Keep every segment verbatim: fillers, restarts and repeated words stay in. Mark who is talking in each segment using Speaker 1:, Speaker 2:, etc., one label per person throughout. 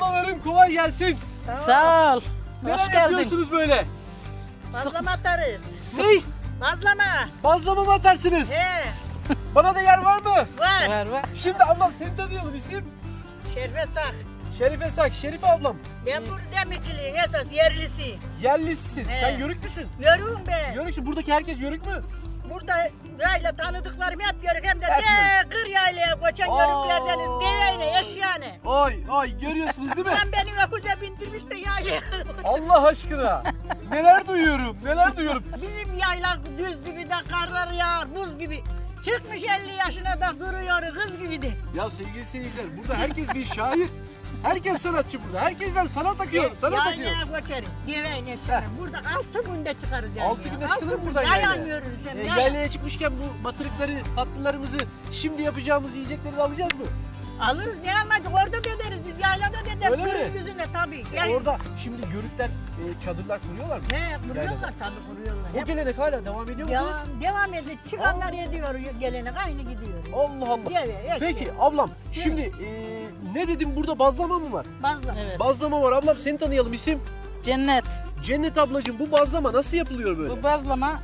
Speaker 1: Ablalarım kolay gelsin.
Speaker 2: Sağ ol.
Speaker 1: Neler
Speaker 2: Hoş geldin.
Speaker 1: yapıyorsunuz böyle?
Speaker 3: Bazlama atarız.
Speaker 1: Ney?
Speaker 3: Bazlama.
Speaker 1: Bazlama mı atarsınız?
Speaker 3: He.
Speaker 1: Bana da yer var mı?
Speaker 3: Var.
Speaker 2: Var var.
Speaker 1: Şimdi ablam seni tanıyalım, isim?
Speaker 3: Şerife Sak.
Speaker 1: Şerife Sak. Şerife ablam.
Speaker 3: Ben burada demirciliğin esas yerlisi.
Speaker 1: Yerlisin.
Speaker 3: He.
Speaker 1: Sen yörük müsün?
Speaker 3: Yörüğüm ben.
Speaker 1: Yörüksün. Buradaki herkes yörük mü?
Speaker 3: Burada yayla tanıdıklarım hep yörük hem de
Speaker 1: Hep
Speaker 3: de kır yaylaya koçan
Speaker 1: Aa.
Speaker 3: yörüklerdeniz. Deveyle, eşyane.
Speaker 1: Ay ay görüyorsunuz değil mi?
Speaker 3: Ben beni okulda bindirmiş de yaylaya.
Speaker 1: Allah aşkına. Neler duyuyorum, neler duyuyorum.
Speaker 3: Bizim yayla düz gibi de karlar yağar, buz gibi. Çıkmış elli yaşına da duruyor kız gibi de.
Speaker 1: Ya sevgili seyirciler, burada herkes bir şair. Herkes sanatçı burada. Herkesten sanat akıyor, sanat akıyor.
Speaker 3: Yaylaya koçarız. Deveyle çıkarız. Burada altı günde çıkarız yaylaya.
Speaker 1: Altı günde çıkılır mı buradan
Speaker 3: Yayan
Speaker 1: yaylaya?
Speaker 3: yürürüz hem
Speaker 1: E,
Speaker 3: yayan.
Speaker 1: yaylaya çıkmışken bu batırıkları, tatlılarımızı, şimdi yapacağımız yiyecekleri de alacağız mı?
Speaker 3: Alırız ne almadık orada da ederiz biz yaylada da ederiz.
Speaker 1: Öyle mi?
Speaker 3: Kırın yüzüne tabii.
Speaker 1: E,
Speaker 3: Yani-
Speaker 1: orada şimdi yörükler e, çadırlar kuruyorlar mı?
Speaker 3: He kuruyorlar
Speaker 1: Yaylada.
Speaker 3: tabii kuruyorlar.
Speaker 1: O
Speaker 3: Hep
Speaker 1: gelenek hala devam ediyor mu kız?
Speaker 3: devam, devam ediyor. Çıkanlar ediyor gelenek aynı gidiyor.
Speaker 1: Allah Allah.
Speaker 3: Deve, eşek,
Speaker 1: Peki ablam, şimdi e, ne dedim, burada bazlama mı var?
Speaker 3: bazlama.
Speaker 2: Evet.
Speaker 1: Bazlama var ablam, seni tanıyalım, isim?
Speaker 2: Cennet.
Speaker 1: Cennet ablacığım, bu bazlama nasıl yapılıyor böyle?
Speaker 2: Bu bazlama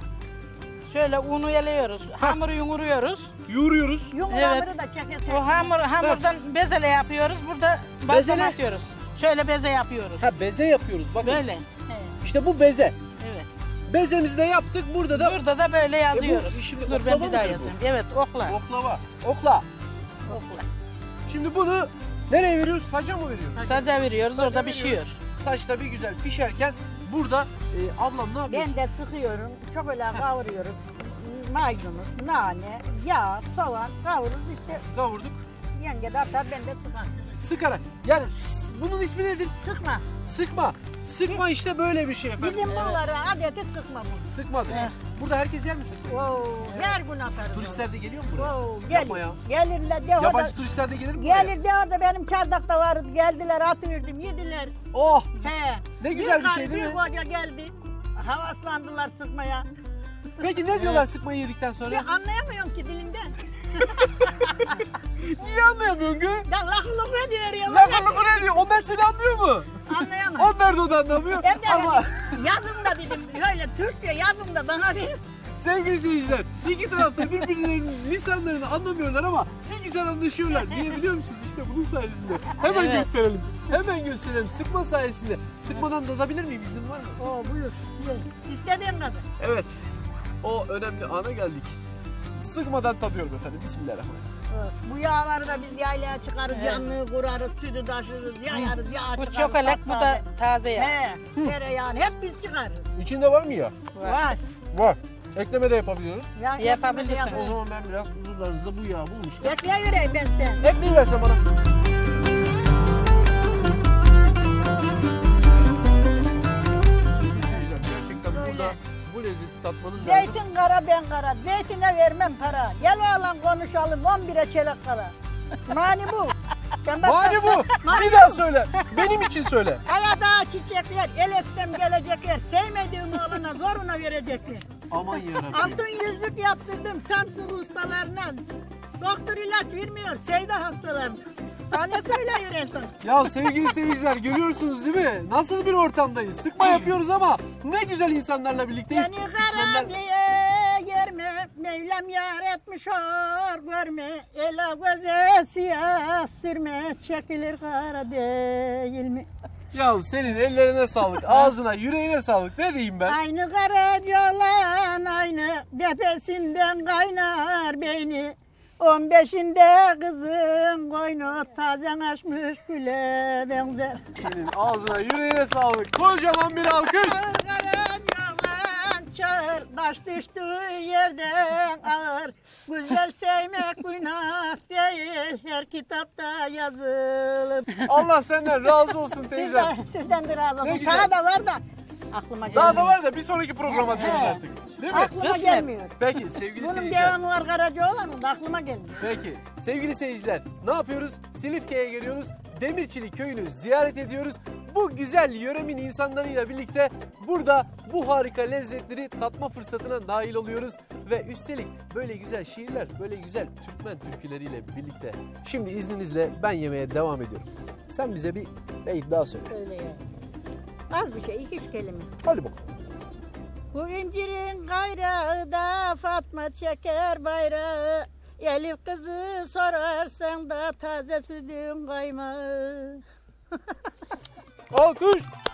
Speaker 2: şöyle unu yeliyoruz. Hamuru yumuruyoruz.
Speaker 1: Yoğuruyoruz.
Speaker 3: Yumruları da çekesin.
Speaker 2: O hamur hamurdan bezele yapıyoruz. Burada bazlama
Speaker 1: Bezele?
Speaker 2: atıyoruz. Şöyle beze yapıyoruz.
Speaker 1: Ha, beze yapıyoruz bakın.
Speaker 2: Böyle.
Speaker 3: He.
Speaker 1: İşte bu beze.
Speaker 2: Evet.
Speaker 1: Bezemizi de yaptık, burada da
Speaker 2: Burada da böyle yazıyoruz.
Speaker 1: E bu şimdi
Speaker 2: Dur
Speaker 1: oklava
Speaker 2: ben bir daha
Speaker 1: mıdır bu?
Speaker 2: yazayım. Evet okla.
Speaker 1: oklava. Okla.
Speaker 2: Okla.
Speaker 1: Şimdi bunu nereye veriyoruz? Saca mı veriyoruz?
Speaker 2: Saca veriyoruz orada
Speaker 1: veriyoruz.
Speaker 2: pişiyor.
Speaker 1: Saçta bir güzel pişerken burada e, ablam ne yapıyorsun?
Speaker 3: Ben de sıkıyorum. Çok öyle kavuruyorum. Maydanoz, nane, yağ, soğan kavururuz işte.
Speaker 1: Kavurduk.
Speaker 3: Yenge de atar ben de sıkar.
Speaker 1: Sıkarak. Yani s- bunun ismi nedir?
Speaker 3: Sıkma.
Speaker 1: Sıkma. Sıkma işte böyle bir şey efendim.
Speaker 3: Bizim
Speaker 2: Evet.
Speaker 3: bunlara adeti sıkma bu.
Speaker 1: Sıkmadı.
Speaker 2: Evet.
Speaker 1: Burada herkes yer mi sıkma?
Speaker 3: Wow. Her gün atarız.
Speaker 1: Turistler de geliyor mu buraya?
Speaker 3: Wow.
Speaker 1: Yapma
Speaker 3: Gelir.
Speaker 1: ya.
Speaker 3: Gelirler de o da.
Speaker 1: Yabancı turistler de gelir mi buraya?
Speaker 3: Gelir de o da benim çardakta vardı. Geldiler atıverdim yediler.
Speaker 1: Oh!
Speaker 3: He.
Speaker 1: Ne güzel bir
Speaker 3: karı,
Speaker 1: şey değil mi?
Speaker 3: Bir koca geldi. Havaslandılar sıkmaya.
Speaker 1: Peki ne diyorlar sıkmayı yedikten sonra?
Speaker 3: Ben anlayamıyorum ki dilinden.
Speaker 1: Niye anlayamıyorsun gı?
Speaker 3: Ya lafını ne diyor
Speaker 1: Lan bunu ne diyor? Onlar seni anlıyor mu?
Speaker 3: Anlayamam.
Speaker 1: Onlar da onu anlamıyor.
Speaker 3: Ben de
Speaker 1: Ama
Speaker 3: yazın da dedim. Öyle Türkçe yazın da bana dedim.
Speaker 1: sevgili seyirciler, iki tarafta birbirlerinin lisanlarını anlamıyorlar ama ne güzel anlaşıyorlar. Niye biliyor musunuz? İşte bunun sayesinde. Hemen
Speaker 2: Evet.
Speaker 1: gösterelim. Hemen gösterelim. Sıkma sayesinde. Sıkmadan tadabilir miyim? İznin var mı?
Speaker 3: Oo buyur. Ye. İstediğin kadar.
Speaker 1: Evet. O önemli ana geldik. Sıkmadan tadıyorum efendim. Bismillahirrahmanirrahim.
Speaker 3: Evet. Bu yağları da biz yaylaya çıkarız,
Speaker 2: Evet.
Speaker 3: yanlığı kurarız, sütü taşırız, yayarız, yağ
Speaker 2: Bu
Speaker 3: çıkarız.
Speaker 2: çokolak bu da
Speaker 3: taze.
Speaker 2: taze yağ.
Speaker 3: He, tereyağını hep biz çıkarız.
Speaker 1: İçinde var mı ya?
Speaker 2: Var.
Speaker 3: Var.
Speaker 1: Var. Ekleme de yapabiliyoruz.
Speaker 3: Ya,
Speaker 2: Yapabilirsin.
Speaker 3: hepimiz
Speaker 1: O
Speaker 3: yaparız.
Speaker 1: zaman ben biraz huzurlarınızda bu yağı bulmuşken.
Speaker 3: Ekleyivereyim ben sen.
Speaker 1: Ekleyiversen bana. Gerçekten burada bu lezzeti tatmanız lazım.
Speaker 3: Zeytin kara ben kara, zeytine vermem para. Gel oğlan konuşalım, on bire çeyrek kala. Mani bu. Ben bak-
Speaker 1: Mani bu.
Speaker 3: Mani
Speaker 1: Bir daha söyle. Benim için söyle.
Speaker 3: Ayada çiçekler, el estem gelecekler. Sevmediğim oğlana zoruna verecekler.
Speaker 1: Aman yarabbim.
Speaker 3: Altın yüzlük yaptırdım Samsun ustalarına. Doktor ilaç vermiyor sevda hastalarına. Tane söyleyiver en son.
Speaker 1: Ya sevgili seyirciler, görüyorsunuz değil mi? Nasıl bir ortamdayız. Sıkma yapıyoruz ama ne güzel insanlarla birlikteyiz.
Speaker 3: Beni kara
Speaker 1: Mükemmel.
Speaker 3: diye yerme, Mevlam yar etmiş or görme. Ela göze siyah sürme, çekilir kara değil mi?
Speaker 1: Ya senin ellerine sağlık, ağzına, yüreğine sağlık. Ne diyeyim ben?
Speaker 3: Aynı karacalan aynı, tepesinden kaynar beyni. On beşinde kızın koynu tazen açmış güle benzer.
Speaker 1: Senin ağzına, yüreğine sağlık. Kocaman bir alkış.
Speaker 3: Karacalan çağır, taş düştüğü yerden ağır. Güzel sevmek günah değil, her kitapta yazılır.
Speaker 1: Allah senden razı olsun teyzem.
Speaker 3: Sizden, sizden de razı
Speaker 1: Ne
Speaker 3: olsun.
Speaker 1: güzel.
Speaker 3: Daha da var da aklıma gelmiyor.
Speaker 1: Daha da var da bir sonraki programa diyoruz
Speaker 3: Evet.
Speaker 1: artık. Değil mi?
Speaker 3: Aklıma
Speaker 2: Kısmet.
Speaker 3: gelmiyor.
Speaker 1: Peki sevgili
Speaker 3: Bunun
Speaker 1: seyirciler.
Speaker 3: devamı var Karacaoğlan'ın da aklıma gelmiyor.
Speaker 1: Peki sevgili seyirciler, ne yapıyoruz? Silifke'ye geliyoruz. Demirçili köyünü ziyaret ediyoruz. Bu güzel yöremin insanlarıyla birlikte burada bu harika lezzetleri tatma fırsatına nail oluyoruz. Ve üstelik böyle güzel şiirler, böyle güzel Türkmen türküleriyle birlikte. Şimdi izninizle ben yemeğe devam ediyorum. Sen bize bir beyt daha söyle.
Speaker 3: Öyle ya. Az bir şey, iki üç kelime.
Speaker 1: Hadi bakalım.
Speaker 3: Bu incirin kayrağı da Fatma çeker bayrağı. Elif kızı sorarsan da taze sütün kaymağı.
Speaker 1: Alkış!